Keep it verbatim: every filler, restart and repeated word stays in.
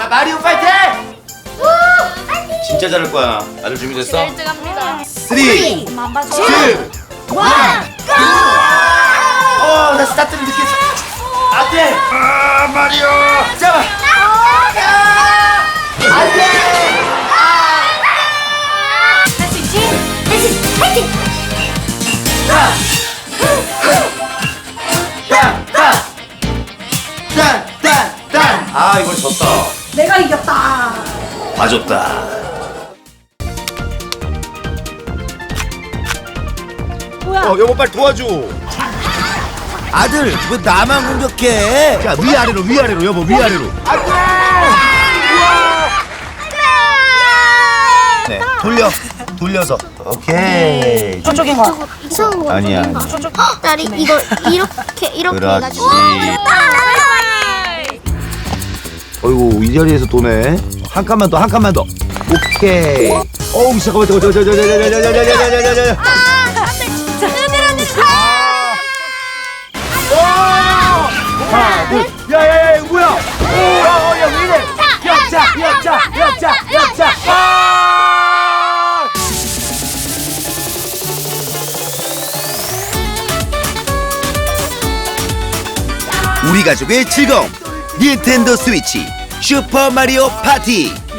자, 마리오 파이팅! 진짜 잘할 거야. 아들 준비됐어? 일 등 합니다. 쓰리, 엄마 안 투, 봐줘. 원, 고! 어, 나 스타트를 늦게 했어. 안 돼! 아, 마리오! 잡아! 안 돼! 할 수 있지? 할 수 있지? 파이팅! 자! 딴! 딴! 딴! 딴! 딴! 아, 이걸 졌다. 내가 이겼다. 봐줬다. 뭐야? 어, 여보 빨리 도와줘. 아들 왜 나만 공격해? 자, 위아래로, 위아래로, 여보, 위아래로. 안 돼! 네, 돌려. 돌려서. 오케이. 저쪽인 거. 이상한 거 아니야. 나리 이거 이렇게 이렇게 그렇지. 해가지고 어이구, 이 자리에서 도네. 한 칸만 더, 한 칸만 더. 오케이. 어우, 잠깐만, 잠깐만, 잠깐만, 잠깐만, 잠깐만, 잠깐만, 잠깐만. 하나, 둘. 야, 야, 야, 이거 뭐야? 오, 어, 야, 왜 이래? 역자, 역자, 역자, 역자. 아! 우리 가족의 즐거움 닌텐도 스위치 슈퍼 마리오 파티.